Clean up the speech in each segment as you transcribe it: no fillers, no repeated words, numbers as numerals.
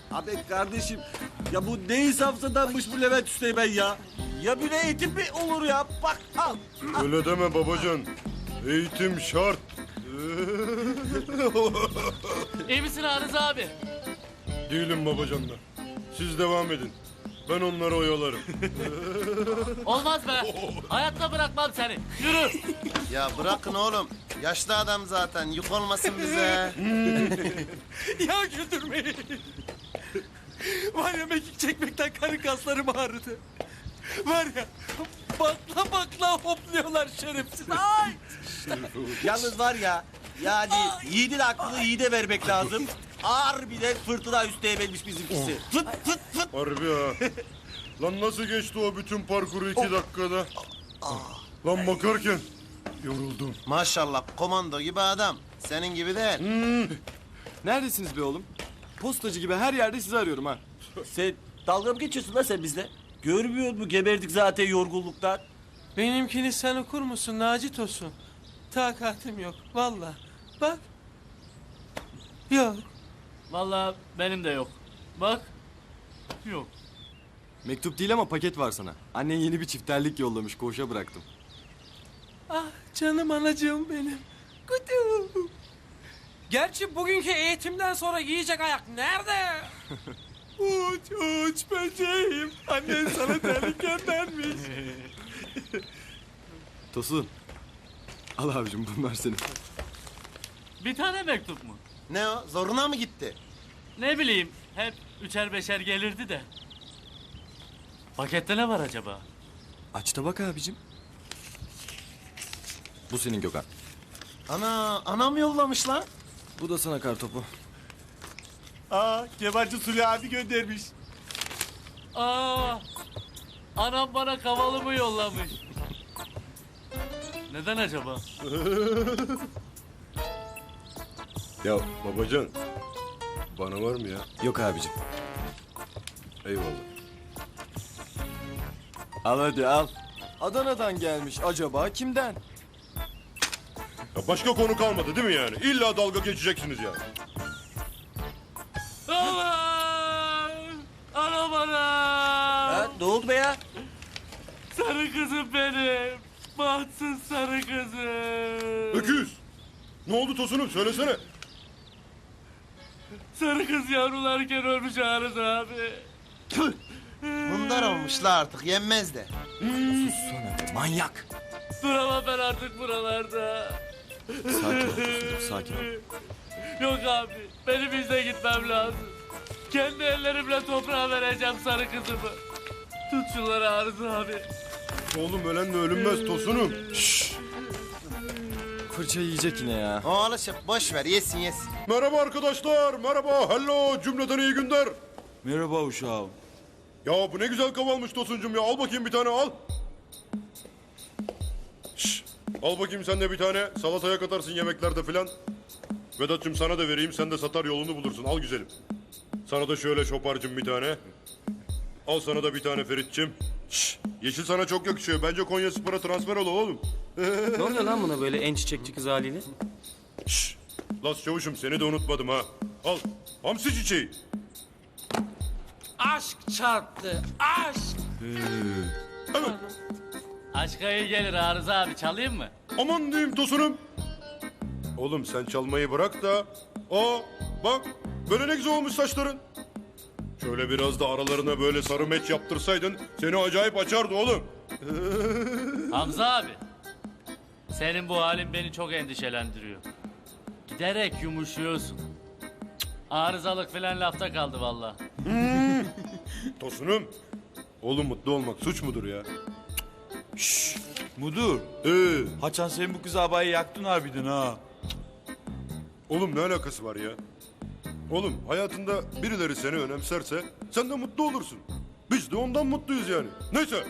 Abi kardeşim ya bu ne insafsızdanmış bu Levent Üsteğmen ya. Ya böyle eğitim mi olur ya? Bak al. Öyle deme babacan. Eğitim şart. İyi misin Arız abi? Değilim babacanlar. Siz devam edin. Ben onları oyalarım. Olmaz be. Hayatta bırakmam seni. Yürü. Ya bırakın oğlum. Yaşlı adam zaten. Yük olmasın bize. Ya güldürmeyin. Var ya mekik çekmekten karın kaslarım ağrıdı. Var ya bakla bakla hopluyorlar şerefsiz. Ay! Yalnız var ya yani yiğidin aklını yiğide vermek lazım. Ağır bir de fırtına Üsteğmen'miş bizimkisi. Fıt fıt fıt. Harbi ha. Lan nasıl geçti o bütün parkuru 2 dakikada? Lan bakarken yoruldum. Maşallah komando gibi adam. Senin gibi değil. Neredesiniz be oğlum? Postacı gibi her yerde sizi arıyorum ha. Sen dalga mı geçiyorsun lan sen bizle? Görmüyor musun? Geberdik zaten yorgunluktan. Benimkini sen okur musun Naci Tosun? Takatim yok vallahi. Bak. Yok. Vallahi benim de yok. Bak. Yok. Mektup değil ama paket var sana. Annen yeni bir çifterlik yollamış, koğuşa bıraktım. Ah canım anacığım benim. Kutu. Gerçi bugünkü eğitimden sonra yiyecek ayak nerede? Uç uç böceğim. Annen sana terlik göndermiş. Tosun. Al abicim bunlar senin. Bir tane mektup mu? Ne o? Zoruna mı gitti? Ne bileyim. Hep üçer beşer gelirdi de. Pakette ne var acaba? Aç da bak abicim. Bu senin Gökhan. Ana, anam yollamış lan. Bu da sana kartopu. Aa Kemalci Suli abi göndermiş. Aa, anam bana kavalımı yollamış. Neden acaba? Ya babacan. Bana var mı ya? Yok abicim. Eyvallah. Al hadi al. Adana'dan gelmiş. Acaba kimden? Ya başka konu kalmadı değil mi yani? İlla dalga geçeceksiniz yani. Allah! Anam anam! Ha, ne oldu be ya? Sarı kızım benim. Bahtsız sarı kızım. Öküz. Ne oldu Tosun'um söylesene. Sarı kız yavrularken ölmüş Arız abi. Bunlar olmuşlar artık yenmez de. Sana manyak. Duramam ben artık buralarda. Sakin ol Tosun, sakin ol. Yok abi, benim izle gitmem lazım. Kendi ellerimle toprağa vereceğim sarı kızımı. Tut şunları Arız abi. Oğlum ölenle ölünmez Tosun'um. Şşş. Fırça yiyecek yine ya. O alışıp boş ver yesin yesin. Merhaba arkadaşlar. Merhaba. Hello. Cümleten iyi günler. Merhaba uşağım. Ya bu ne güzel kavalmış Tosun'cum ya. Al bakayım bir tane al. Şşş. Al bakayım sen de bir tane. Salataya katarsın yemeklerde filan. Vedat'cığım sana da vereyim. Sen de satar yolunu bulursun. Al güzelim. Sana da şöyle şoparcım bir tane. Al sana da bir tane Ferit'cim. Şşş. Yeşil sana çok yakışıyor. Bence Konya Spor'a transfer ol oğlum. Ne oluyor lan buna böyle en çiçekçi kız haliyle? Şşş. Las çavuşum seni de unutmadım ha. Al. Hamsi çiçeği. Aşk çarptı. Aşk. Evet. Aşka iyi gelir Arız abi, çalayım mı? Aman diyeyim Tosun'um. Oğlum sen çalmayı bırak da. Aa bak böyle ne güzel olmuş saçların. Şöyle biraz da aralarına böyle sarı meç yaptırsaydın seni acayip açardı oğlum. Hamza abi, senin bu halin beni çok endişelendiriyor. Giderek yumuşuyorsun. Cık, arızalık filan lafta kaldı vallahi. Tosun'um. Oğlum mutlu olmak suç mudur ya? Mudur, Haçan sen bu kız abayı yaktın harbiden ha. Oğlum ne alakası var ya? Oğlum hayatında birileri seni önemserse sen de mutlu olursun. Biz de ondan mutluyuz yani. Neyse.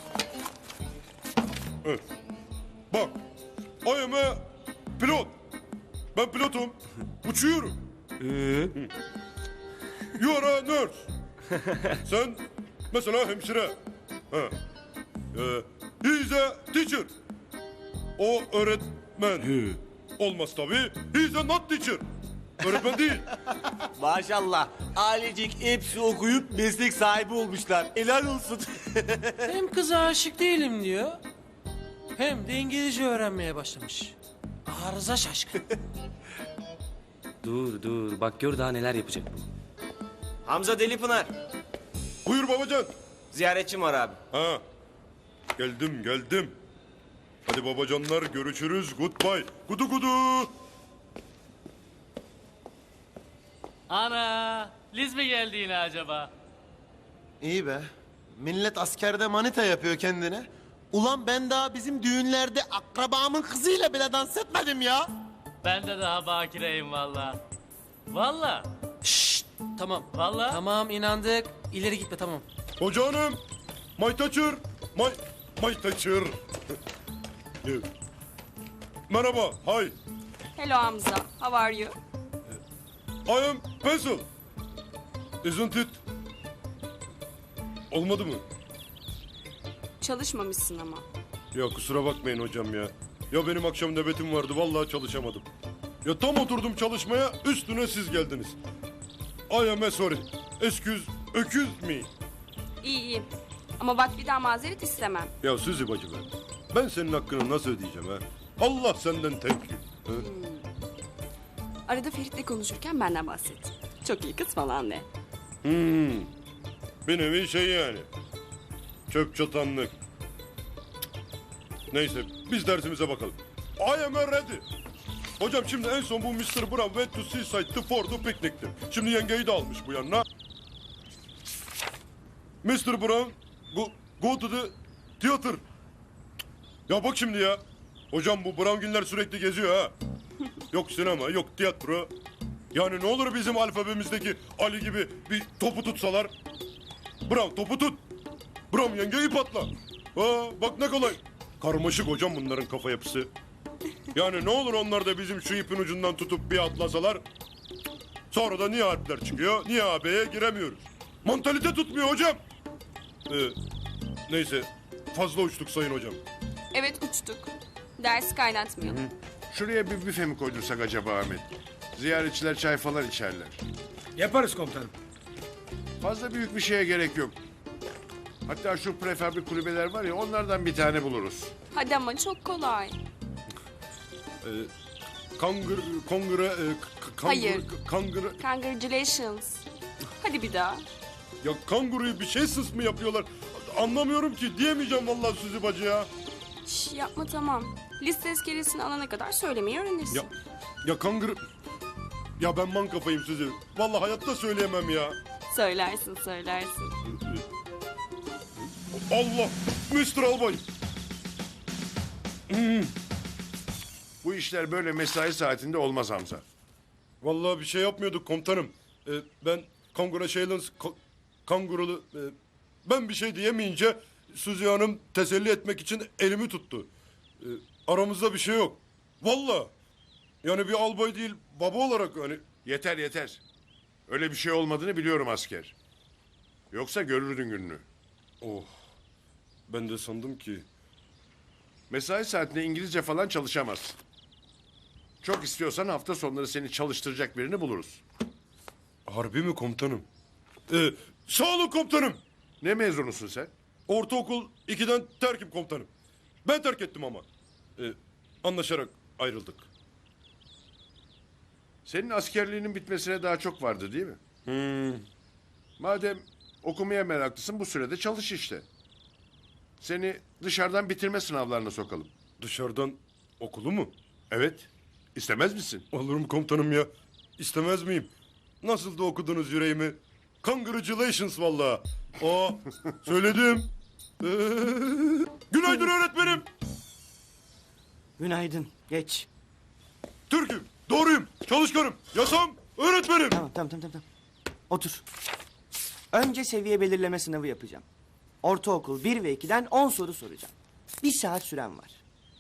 Evet. Bak. I am a pilot. Ben pilotum. Uçuyorum. You are a nurse. Sen mesela hemşire. Ha. He is a teacher. O öğretmen. Olmaz tabii. He is a not teacher. Öğretmen değil. Maşallah. Ailecik hepsi okuyup meslek sahibi olmuşlar. Helal olsun. Hem kıza aşık değilim diyor. Hem de İngilizce öğrenmeye başlamış. Arıza şaşkın. Dur bak gör daha neler yapacak bu. Hamza Delipınar. Buyur babacan. Ziyaretçim var abi. Ha. Geldim. Hadi babacanlar görüşürüz. Goodbye. Gudu gudu. Ana, Liz mi geldi yine acaba? İyi be. Millet askerde manita yapıyor kendine. Ulan ben daha bizim düğünlerde akrabamın kızıyla bile dans etmedim ya. Ben de daha bakireyim valla. Valla. Şşt, tamam. Vallahi. Tamam inandık. İleri gitme tamam. Hoca hanım. My teacher. My teacher. Merhaba. Hi. Hello Hamza, how are you? I am pencil. Isn't it? Olmadı mı? Çalışmamışsın ama. Ya kusura bakmayın hocam ya. Ya benim akşam nöbetim vardı vallahi çalışamadım. Ya tam oturdum çalışmaya üstüne siz geldiniz. I am sorry. Excuse me. İyi. Ama bak bir daha mazeret istemem. Ya Suzi bacı be. Ben senin hakkını nasıl ödeyeceğim ha? Allah senden thank you. Ha? Arada Ferit'le konuşurken benden bahset. Çok iyi kız falan de. Bir nevi şey yani. Çöp çatanlık. Neyse biz dersimize bakalım. I am ready. Hocam şimdi en son bu Mr. Brown went to seaside for the picnic'ti. Şimdi yengeyi de almış bu yanına. Mr. Brown go to the theater. Ya bak şimdi ya. Hocam bu Brown'ginler sürekli geziyor ha. Yok sinema yok tiyatro. Yani ne olur bizim alfabemizdeki Ali gibi bir topu tutsalar. Brown topu tut. Brown yengeyi patla. Ha, bak ne kolay. Karmaşık hocam bunların kafa yapısı. Yani ne olur onlar da bizim şu ipin ucundan tutup bir atlasalar. Sonra da niye harfler çıkıyor, niye AB'ye giremiyoruz. Mantalite tutmuyor hocam. Neyse fazla uçtuk sayın hocam. Evet uçtuk. Dersi kaynatmayalım. Şuraya bir büfe mi koydursak acaba Ahmet? Ziyaretçiler çay falan içerler. Yaparız komutanım. Fazla büyük bir şeye gerek yok. Hatta şu prefabrik kulübeler var ya onlardan bir tane buluruz. Hadi ama çok kolay. Kongre... Hayır. Kangre... Congratulations. Hadi bir daha. Ya kanguruyu bir şey sıs mı yapıyorlar? Anlamıyorum ki diyemeyeceğim vallahi Suzi bacı ya. Şş, yapma tamam. Liste tezkeresini alana kadar söylemeyi öğrenirsin. Ya kanguru... Ya ben man kafayım Suzi. Vallahi hayatta söyleyemem ya. Söylersin. Allah! Mr. Albay! Bu işler böyle mesai saatinde olmaz Hamza. Vallahi bir şey yapmıyorduk komutanım. Ben congratulations... Kangurulu... ben bir şey diyemeyince Suzi Hanım teselli etmek için elimi tuttu. Aramızda bir şey yok. Vallahi. Yani bir albay değil baba olarak hani... Yeter. Öyle bir şey olmadığını biliyorum asker. Yoksa görürdün gününü. Oh. Ben de sandım ki... Mesai saatinde İngilizce falan çalışamazsın. Çok istiyorsan hafta sonları seni çalıştıracak birini buluruz. Harbi mi komutanım? Sağ olun komutanım. Ne mezunusun sen? Ortaokul 2'den terkim komutanım. Ben terk ettim ama. Anlaşarak ayrıldık. Senin askerliğinin bitmesine daha çok vardı değil mi? Madem okumaya meraklısın bu sürede çalış işte. Seni dışarıdan bitirme sınavlarına sokalım. Dışarıdan okulu mu? Evet. İstemez misin? Olurum komutanım ya. İstemez miyim? Nasıl da okudunuz yüreğimi? Congratulations vallahi. Aa, söyledim. Günaydın öğretmenim. Günaydın. Geç. Türk'üm, doğruyum, çalışkanım, yasam, öğretmenim. Tamam. Otur. Önce seviye belirleme sınavı yapacağım. Ortaokul 1 ve 2'den 10 soru soracağım. 1 saat süren var.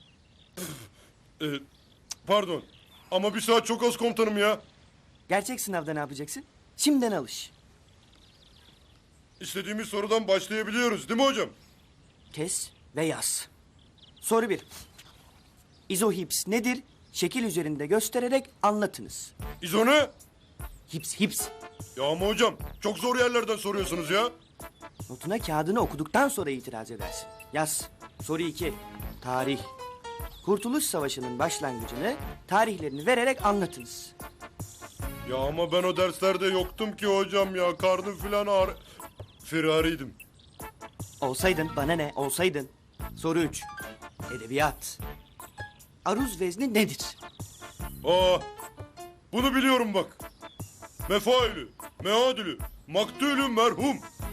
Pardon ama 1 saat çok az komutanım ya. Gerçek sınavda ne yapacaksın? Şimdiden alış. İstediğimiz sorudan başlayabiliyoruz değil mi hocam? Kes ve yaz. Soru 1. İzohips nedir? şekil üzerinde göstererek anlatınız. İzone? Hips. Ya ama hocam çok zor yerlerden soruyorsunuz ya. Notuna kağıdını okuduktan sonra itiraz edersin. Yaz. Soru 2. Tarih. Kurtuluş Savaşı'nın başlangıcını, tarihlerini vererek anlatınız. Ya ama ben o derslerde yoktum ki hocam ya. Karnım filan ağrı... Firariydim. Olsaydın bana ne? Olsaydın. Soru 3. Edebiyat. Aruz vezni nedir? Aa, bunu biliyorum bak. Mefailü, meadülü, maktulü merhum.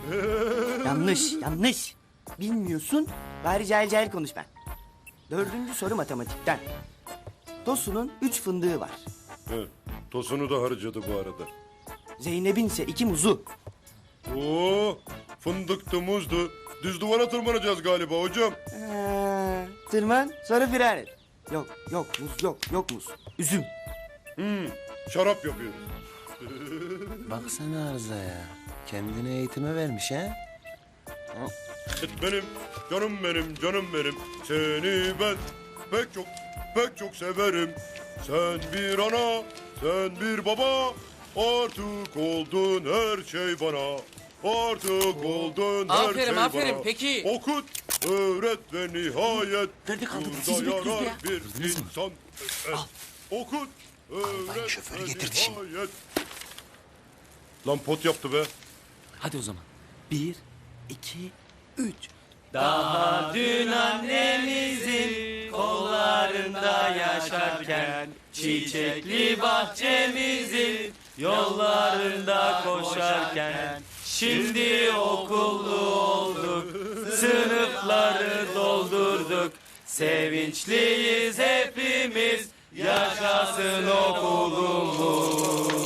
Yanlış. Bilmiyorsun, bari cahil konuşma. 4. soru matematikten. Tosun'un 3 fındığı var. Evet, tosunu da harcadı bu arada. Zeynep'in ise 2 muzu. Oo, fındıktı, muzdu. Düz duvara tırmanacağız galiba hocam. Tırman, sonra firar et. Yok muz. Üzüm. Şarap yapıyoruz. Baksana Arıza ya. Kendine eğitime vermiş ha. Benim, canım benim. Seni ben pek çok severim. Sen bir ana, sen bir baba. Artık oldun her şey bana. Artık oldun her şey bana. Peki. Okut, öğret ve nihayet. Nerede kaldık? burada Sizi bekliyoruz yarar ya. bir insan. Okut, öğret şoförü ve getirdi şimdi. nihayet. Lan pot yaptı be. Hadi o zaman. 1, 2, 3. Daha dün annemizin kollarında yaşarken, çiçekli bahçemizin yollarında koşarken, şimdi okullu olduk, sınıfları doldurduk, sevinçliyiz hepimiz, yaşasın okulumuz.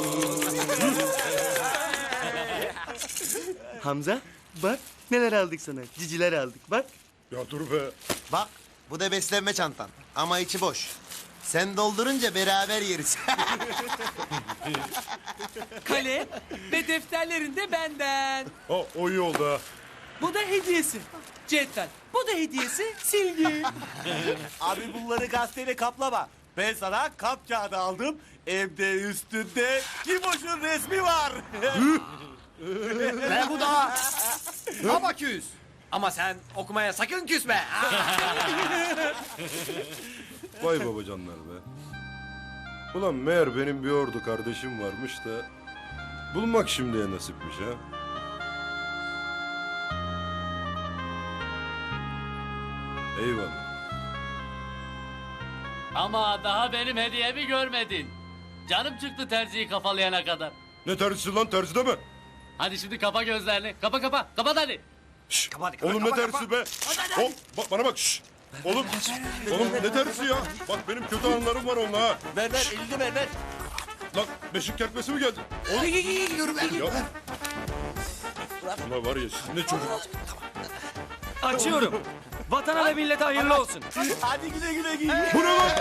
Hamza, bak neler aldık sana. Ciciler aldık, bak. Ya dur be. Bak bu da beslenme çantan ama içi boş. Sen doldurunca beraber yeriz. Kalem ve defterlerin de benden. Ha, o iyi oldu ha. Bu da hediyesi. Cetvel. Bu da hediyesi silgi. Abi bunları gazeteyle kaplama. Ben sana kap kağıdı aldım. Evde üstünde Kimoş'un resmi var. Ve bu da Abaküs. Ama sen okumaya sakın küsme. Vay babacanlar be. Ulan meğer benim bir ordu kardeşim varmış da... ...bulmak şimdiye nasipmiş ha. Eyvallah. Ama daha benim hediyemi görmedin. Canım çıktı terziyi kafalayana kadar. Ne tersisi lan, tersi deme. Hadi şimdi kapa gözlerini. Kapa. Kapat hadi. Şşş, oğlum ne tersi be? Hop, bana bak şşş. Oğlum ne tersi ya? Bak benim kötü anılarım var onunla ha. Ver elini ver. Lan beşik kertmesi mi geldi? Oğlum. Ya. Ulan var ya siz ne çocuk. Açıyorum. Vatana ve millete hayırlı olsun. Hadi güle giy. Bu ne lan?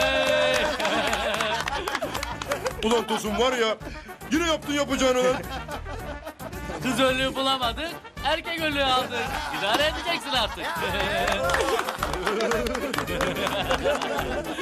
Ulan Tosun var ya. Yine yaptın yapacağını lan. Kız önlüğü bulamadık. Erkek önlüğü aldık. İdare edeceksin artık.